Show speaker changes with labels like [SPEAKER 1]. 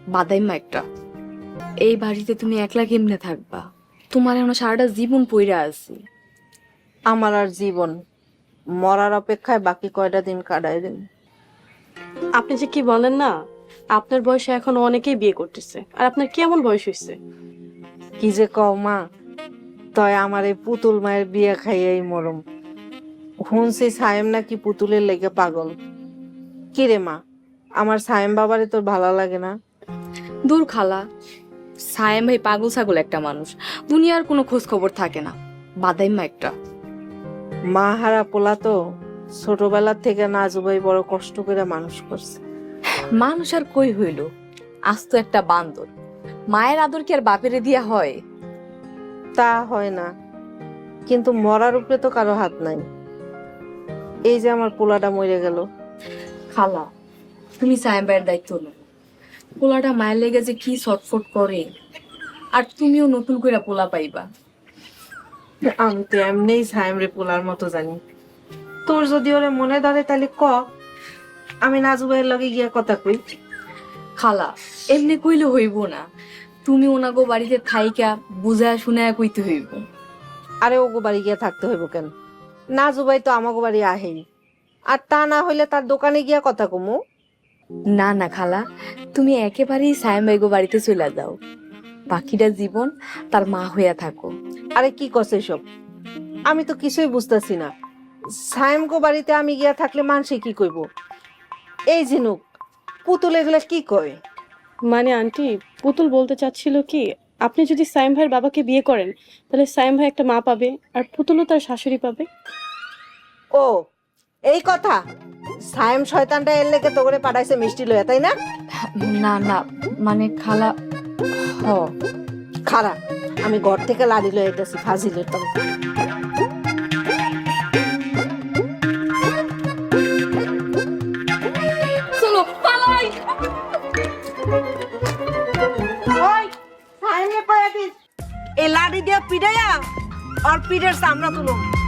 [SPEAKER 1] বাদাইমা একটা। এই বাড়িতে তুমি একলা কেমনে থাকবা? তোমার এখন সারাটা জীবন পইরা আছি।
[SPEAKER 2] আমার আর জীবন মরার অপেক্ষায় বাকি কয়টা দিন কাটাই দিন।
[SPEAKER 3] আপনি যে কি বলেন না, আপনার বয়সে এখন অনেকেই বিয়ে করতেছে, আর আপনার কেমন বয়স হয়েছে?
[SPEAKER 2] কি যে কও মা, তয় আমার এই পুতুল মায়ের বিয়ে খাইয়াই মরম। শুনছি সায়েম নাকি পুতুলের লেগে পাগল। কি রে মা, আমার সায়েম বাবারে তোর ভালো লাগে না?
[SPEAKER 1] দূর খালা, সায়েম ভাই পাগল ছাগল একটা মানুষ, দুনিয়ার কোনো খোঁজ খবর থাকে না। বাদাইমা একটা।
[SPEAKER 2] মা হারা পোলা তো, ছোটবেলার থেকে নাজুবাই বড় কষ্ট করে মানুষ করছে।
[SPEAKER 1] মানুষ আর কই হইল, আজ তো একটা বান্দর। মায়ের আদর কি আর বাপেরে দিয়া হয়?
[SPEAKER 2] তা হয় না, কিন্তু মরার উপরে তো কারো হাত নাই। এই যে আমার পোলাটা মরে গেল।
[SPEAKER 1] খালা, তুমি সায়েম ভাইয়ের দায়িত্ব নাও। পোলাটা মায়ের লেগে যে কি ছটফট করে, আর তুমিও নতুন করে পোলা পাইবা।
[SPEAKER 2] আমি তো এমনিই সায়েম রে পোলার মতো জানি। তোর যদি ওরে মনে ধরে তাহলে ক, আমি নাজুবাইয়ের লগে গিয়া কথা কই।
[SPEAKER 1] খালা, এমনি কইলে হইব না, তুমি ওনাগো বাড়িতে থাইকা বুঝায় শুনায় কইতে হইব।
[SPEAKER 2] আরে ওগো বাড়ি গিয়া থাকতে হইব কেন? নাজুবাই তো আমাগো বাড়ি আহেই, আর তা না হইলে তার দোকানে গিয়া কথা কমু।
[SPEAKER 1] না না খালা, তুমি একেবারেই সায়েম ভাইগো বাড়িতে চলে যাও, বাকিটা জীবন তার মা হইয়া থাকো।
[SPEAKER 2] আরে কি করছে সব? আমি তো কিছুই বুঝতেছি না। সায়েম গো বাড়িতে আমি গিয়া থাকলে মানুষে কি কইব? এই ঝিনুক, পুতুল এগুলা কি কয়?
[SPEAKER 3] মানে আন্টি, পুতুল বলতে চাচ্ছিল কি, আপনি যদি সাইম ভাইয়ের বাবাকে বিয়ে করেন, তাহলে সাইম ভাই একটা মা পাবে, আর পুতুলও তার শাশুড়ি পাবে।
[SPEAKER 2] ও এই কথা? সায়েম শয়তানটা এর লেগে তো করে পাঠাইছে মিষ্টি লইয়া, তাই না?
[SPEAKER 1] না না, মানে খালা, হ।
[SPEAKER 2] খারা, আমি ঘর থেকে লাড়ি লয়ে আইতাছি ফাজিলের তবে।
[SPEAKER 1] চলো পালাই।
[SPEAKER 2] ওই সায়েমে কয়া দিস, এই লাড়ি দিয়া পিড়াইয়া আর পিড়ের চামড়া তুলো।